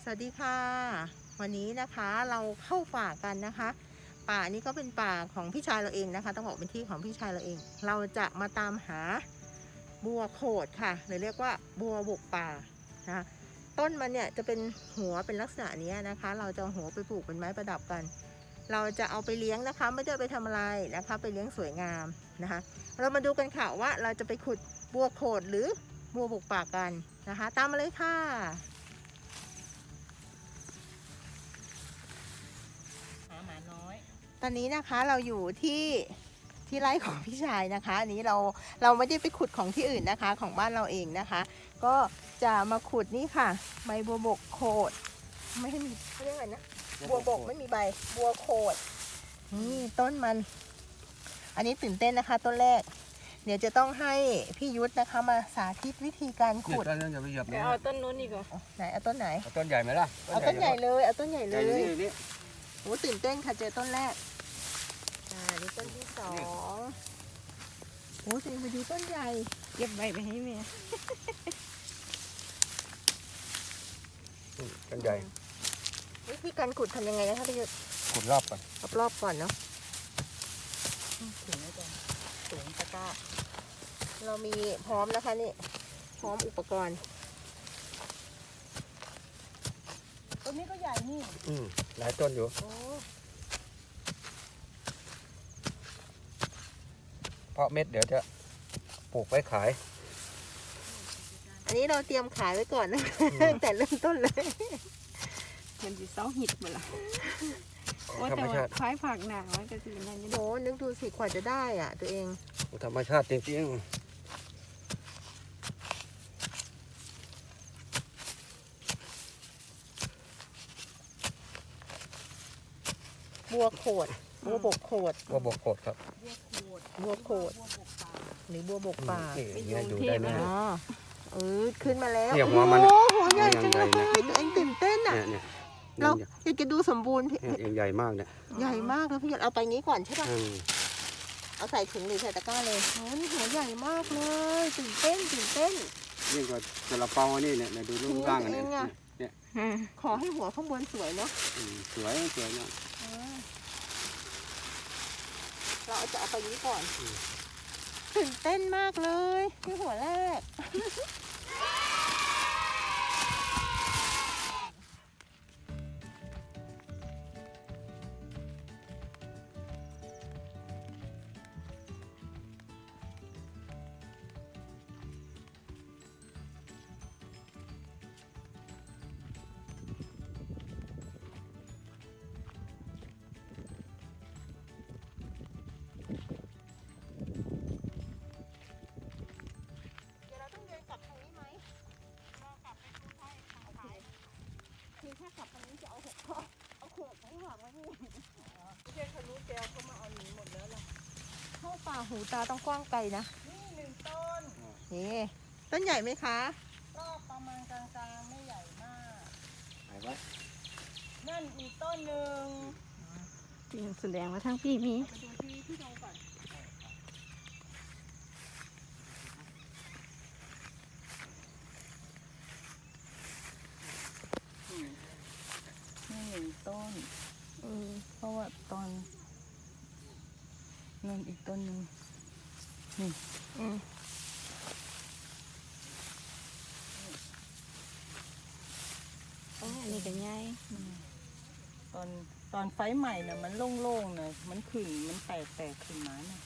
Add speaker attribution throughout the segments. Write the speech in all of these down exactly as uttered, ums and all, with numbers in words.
Speaker 1: สวัสดีค่ะวันนี้นะคะเราเข้าป่ากันนะคะป่านี้ก็เป็นป่าของพี่ชายเราเองนะคะต้องบอกเป็นที่ของพี่ชายเราเอง เราจะมาตามหาบัวโขดค่ะหรือเรียกว่าบัวบกป่านะต้นมันเนี่ยจะเป็นหัวเป็นลักษณะนี้นะคะเราจะเอาหัวไปปลูกเป็นไม้ประดับกันเราจะเอาไปเลี้ยงนะคะไม่ได้ไปทำอะไรนะคะไปเลี้ยงสวยงามนะคะเรามาดูกันค่ะว่าเราจะไปขุดบัวโขดหรือบัวบกป่ากันนะคะตามมาเลยค่ะหมาน้อยตอนนี้นะคะเราอยู่ที่ที่ไร่ของพี่ชายนะคะอันนี้เราเราไม่ได้ไปขุดของที่อื่นนะคะของบ้านเราเองนะคะก็จะมาขุดนี่ค่ะใบบัวบกโขดไม่ให้มีเขาเรียกอะไรนะบัวบกไม่มีใบบัวโขดนี่ต้นมันอันนี้ตื่นเต้นนะคะต้นแรกเดี๋ยวจะต้องให้พี่ยุทธนะคะมาสาธิตวิธีการขุด
Speaker 2: ต้นนึงอย่าไปเหยียบเนี่ย
Speaker 3: เอาต้นนู้นดีกว่า
Speaker 1: ไหนเอาต้นไหน
Speaker 2: เอาต้นใหญ่ไหมล่ะ
Speaker 1: เอาต้นใหญ่เลยเอาต้นใหญ่เล
Speaker 2: ใหญ่
Speaker 1: ย
Speaker 2: นี่นี่
Speaker 1: โอ้ตื่นเต้นค่ะเจอต้นแรกอ่านี่ต้นที่สองโอ้จะมาดูต้นใหญ่
Speaker 3: เก็บใบไปให้แม่
Speaker 2: ต้นใหญ่
Speaker 1: วิธีการขุดทำยังไงนะคะพี่ยุทธ
Speaker 2: ขุดรอบก่อน
Speaker 1: รอบๆก่อนเนาะถึงแล้วจ้ะสูงตะกร้าเรามีพร้อมนะคะนี่พร้อมอุปกรณ์ต้นนี้ก็ใหญ่นี่
Speaker 2: อืมหลายต้นอยู่
Speaker 1: โอ้
Speaker 2: เพราะเม็ดเดี๋ยวจะปลูกไว้ขาย
Speaker 1: อันนี้เราเตรียมขายไว้ก่อนนะแต่เริ่มต้นเลย
Speaker 3: มันจะเสาหิดหมดละ
Speaker 2: ของ
Speaker 3: โอ้
Speaker 2: ธร
Speaker 3: แต่
Speaker 2: รม
Speaker 3: ว่า
Speaker 2: ชาติ
Speaker 3: คล้ายผักหนามันก็คือนั่นนี่
Speaker 1: โหนึกดูสิกว่าจะได้อ่ะตัวเอง
Speaker 2: ของธรรมชาติจริง
Speaker 1: บัวโขดบัวบกโขด
Speaker 2: ๆบัวบกโขดครับ
Speaker 1: บัวโขดหรือบัวบกป่า
Speaker 2: นี่อย่างเงี้ยดูได้เลย
Speaker 1: อ๋อเออขึ้นมาแล้ว
Speaker 2: เนี่ยหัวมัน
Speaker 1: โอ้โหใหญ่จัง
Speaker 2: ให
Speaker 1: เล
Speaker 2: ญ่
Speaker 1: ย
Speaker 2: ๆนะ
Speaker 1: ตัวเองตื่นเต้นอ่ะ
Speaker 2: เนี่ยเนี่ย
Speaker 1: เรา
Speaker 2: เนี่ย
Speaker 1: อยากจะดูสมบูรณ์พี่
Speaker 2: เนี่ยใหญ่มากเนี่ย
Speaker 1: ใหญ่มากเลยพี่ยศเอาไปงี้ก่อนใช่ป่ะ
Speaker 2: อืม
Speaker 1: เอาใส่ถุงหรือใส่ตะกร้าเลยโอ้นี่หัวใหญ่มากเลยตื่นเต้นตื่นเต้น
Speaker 2: ยิ่งกว่าซาลาเปานี่เนี่ยเนี่ยดูรูปร่างอันเนี้
Speaker 1: จริงอะ
Speaker 2: เนี่ย
Speaker 1: ขอให้หัวข้างบนสวยเนาะ
Speaker 2: อืมสวยสวยมาก
Speaker 1: อ่าเราจะเอาไปนี้ก่อนตื่นเต้นมากเลยที่หัวแรกคือถ้ากลับตรงนี้จะเอาหกข้อเอาขวดของหวังไว้นี่ไม่ใช่ทะลุแก้วเขามาเอาหนีหมดแล้วล่ะเข้าป่าหูตาต้องกว้างไกลนะนี่หนึ่งต้นนี่ต้นใหญ่ไหมคะก็ประมาณกลางๆไม่ใหญ่มากไหนวะนั่นอีกต้นหนึ่ง
Speaker 3: แสดงว่าทั้งพี่มี
Speaker 1: ไปดูที่ที่ตรงก่อน
Speaker 3: นี่หนึ่งต้น
Speaker 1: เออ
Speaker 3: เพราะว่าตอนนั่นอีกต้นหนึ่งนี่
Speaker 1: อืม
Speaker 3: อ๋อนี่ก็ง่ายตอนตอนไฟใหม่น่ะมันโล่งๆน่ะมันขึ้นมันแตกแตกขึ้นมาน่ะ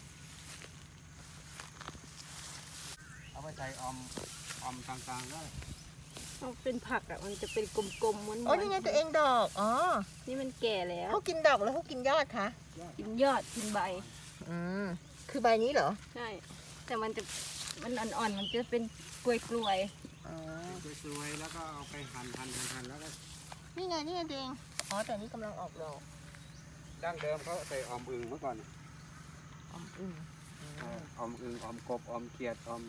Speaker 2: เอาไปใส่ออมออมกลางๆได้
Speaker 3: ต้องเป็นผักอ่ะมันจะเป็นกลมๆม้วนๆ
Speaker 1: โอ้นี่ไงตัวเองดอกอ๋อ
Speaker 3: นี่มันแก่แล้ว
Speaker 1: เขากินดอกแล้วเขากินยอดคะ
Speaker 3: กินยอดกินใบ
Speaker 1: อืมคือใบนี้เหรอ
Speaker 3: ใช่แต่มันจะมันอ่อนๆมันจะเป็นกลวยๆ
Speaker 1: อ๋อ
Speaker 2: สวยๆแล้วก็เอาไปหั่นหั่นหั่นแล้วก็
Speaker 1: นี่ไงนี่ไงตัวเองอ๋อแต่นี่กำลังออกดอก
Speaker 2: ดั้งเดิมเขาใส่ออมอึ่งเมื่อก่อน
Speaker 1: อมอึ่ง
Speaker 2: เออออมอึ่งออมกบออมเขียดออม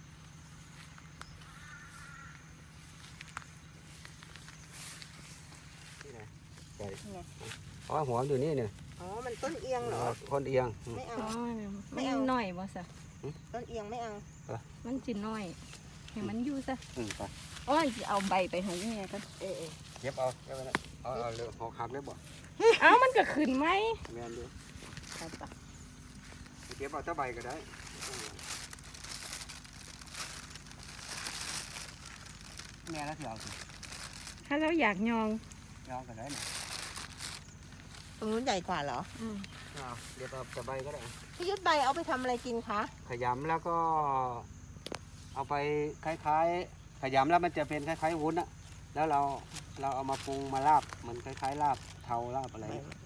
Speaker 2: ที่ไหนใส่อ๋อหัวมันอยู่นี่เนี่ย
Speaker 1: อ๋อมันต้นเอียงเหรอ
Speaker 2: คนเอียงอืม
Speaker 1: ไม่เอา
Speaker 3: อ๋อ
Speaker 1: ไม่
Speaker 3: ไม่
Speaker 1: เอา
Speaker 3: หน่อยบ่สะ
Speaker 1: ต้นเอียงไม่เอา
Speaker 3: มันจิน้อยแให้มันอยู่ซะ
Speaker 2: อืมไป
Speaker 3: โอ้ยสิเอาใบไปให้แม่กัน
Speaker 1: เออเออ
Speaker 2: เก็บเอาเก็บไว้นะเอาเอาเลยหอกหักเลยบ่
Speaker 3: เอ้ามันก็ขึ้นไหม
Speaker 2: แม่นดู
Speaker 3: ไปปะ
Speaker 2: เก็บเอาตะใบก็ได้แม่แล้วสิเอาสิ
Speaker 3: ถ้าเราอยากยอง
Speaker 2: เอาก็ได้นะ
Speaker 1: ตรงนู้นใหญ่กว่าเหรอ
Speaker 3: อืม
Speaker 2: เอาเก็บเอาตะใบก็ได้
Speaker 1: พี่ยุทธใบเอาไปทำอะไรกินคะ
Speaker 2: ขยำแล้วก็ เอาไปคล้ายๆขยำแล้วมันจะเป็นคล้ายๆวุ้นอะแล้วเราเราเอามาปรุงมาลาบเหมือนคล้ายๆลาบเทาลาบอะไร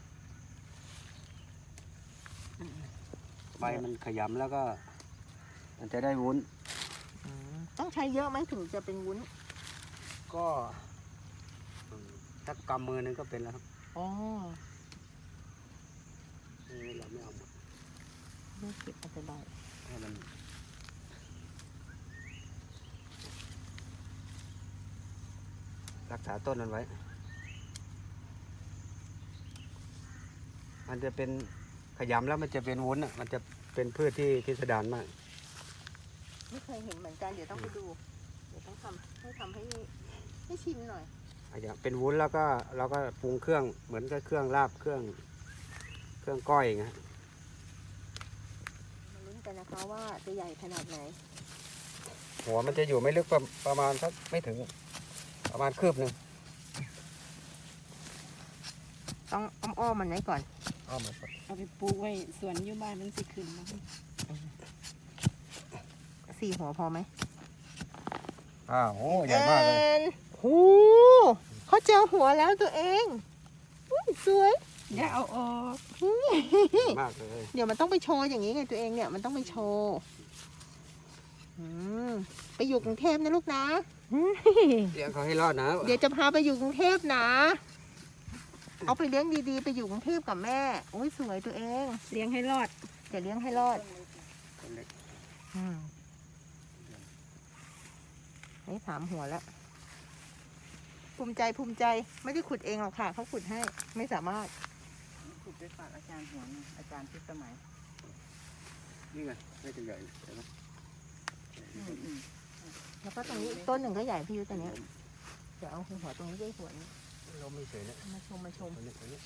Speaker 2: ใบมันขยำแล้วก็ มันจะได้วุ้น
Speaker 1: อืมต้องใช้เยอะไหมถึงจะเป็นวุ้น
Speaker 2: ก็อืมถ้ากำมือหนึงก็เป็นแล้วครับ
Speaker 1: อ๋อ
Speaker 2: นี่เราไม่เอาหมด
Speaker 1: ไม่เก็บเอาไปใบ
Speaker 2: ให้มันรักษาต้นมันไว้ มันจะเป็นขยำแล้วมันจะเป็นวุ้นอ่ะ มันจะเป็นพืชที่พิสดารมาก
Speaker 1: ไม่เคยเห็นเหมือนกันเดี๋ยวต้องไปดู เดี๋ยวต้องทำให้ทำให้ให้ชิมหน่อย
Speaker 2: อาจจะเป็นวุ้นแล้วก็เราก็ปรุงเครื่องเหมือนกับเครื่องลาบเครื่อง เครื่องก้อยอย่างเงี้ย
Speaker 1: มาลุ้นกันนะคะว่าจะใหญ่ขนาดไหน
Speaker 2: หัวมันจะอยู่ไม่ลึกประประมาณสักไม่ถึง ประมาณคืบหนึ่ง
Speaker 1: ต้องอ้อมๆมันไว้ก่อน
Speaker 2: อ้อมมาก่อน
Speaker 3: เอาไปปลูกไว้สวนอยู่บ้านมันสิขึ้นนะ
Speaker 1: สี่หัวพอไหม
Speaker 2: อ้าวโอ้ใหญ่มากเลย
Speaker 1: นโอ้เขาเจอหัวแล้วตัวเองอุ๊ยสวย
Speaker 3: อย่าเอาออก
Speaker 2: ใหญ่มากเลย
Speaker 1: เดี๋ยวมันต้องไปโชว์อย่างนี้ไงตัวเองเนี่ยมันต้องไปโชว์อืมไปอยู่กรุงเทพนะลูกนะ
Speaker 2: เลี้ยงเขาให้รอดนะ
Speaker 1: เดี๋ยวจะพาไปอยู่กรุงเทพนะ เอาไปเลี้ยงดีๆ ไปอยู่กรุงเทพกับแม่โอ้ยสวยตัวเอง
Speaker 3: เลี้ยงให้รอด
Speaker 1: เดี๋ยวเลี้ยงให้รอดอืมนี่สามหัวแล้ว ภูมิใจภูมิใจไม่ได้ขุดเองหรอกค่ะเขาขุดให้ไม่สามารถ
Speaker 3: ขุดไปฝากอาจารย์หัวหนึ่งอาจารย์พิสมัย
Speaker 2: นี่ไงไม่ถึงใหญ่เห็นไหม
Speaker 3: อืมอืม
Speaker 1: แล้วก็ตรงนี้อีกต้นหนึ่งก็ใหญ่พี่ยุทธตัวเนี้ยเดี๋ยวเอาหัวตรงนี้ด้วยหัวนี้
Speaker 2: ลมไม่เฉยนะ
Speaker 1: มาชมมาชม
Speaker 2: ตัวนี้ตัวนี้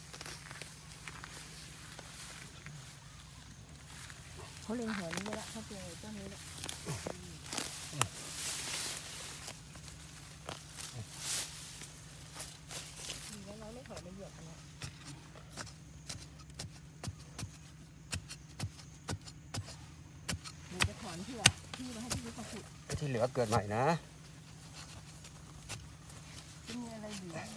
Speaker 1: เขาเล็งหัวนี้ไว้แล้วเขาเจอต้นนี้แล้วดีแล้วน้อยไม่ถอยมาเหยียบอันเนี้ยเดี๋ยวจะถอนเพื่อพี่มาให้พี่ยุทธมาขุด
Speaker 2: ไอ้ที่เหลือเกิดใหม่นะ
Speaker 1: จะมีอะไรเหลือ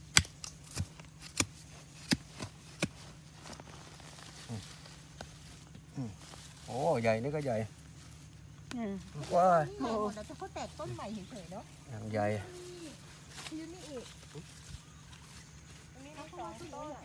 Speaker 2: โอ้ใหญ่นี่ก็ใหญ่
Speaker 3: อืม
Speaker 2: ว้าย
Speaker 1: โอ้โหแล้วจะเขาแตกต้นใหม่เฉยๆเนาะ
Speaker 2: อย่างใหญ่
Speaker 1: พี่ยุทธนี่อีกอันนี้สองต้น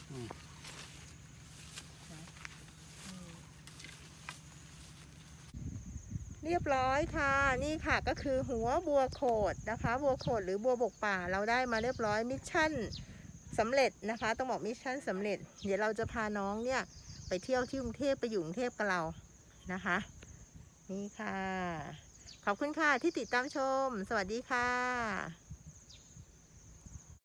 Speaker 1: เรียบร้อยค่ะนี่ค่ะก็คือหัวบัวโขดนะคะบัวโขดหรือบัวบกป่าเราได้มาเรียบร้อยมิชชั่นสำเร็จนะคะต้องบอกมิชชั่นสำเร็จ เดี๋ยวเราจะพาน้องเนี่ยไปเที่ยวที่กรุงเทพไปอยู่กรุงเทพกับเรานะคะนี่ค่ะขอบคุณค่ะที่ติดตามชมสวัสดีค่ะ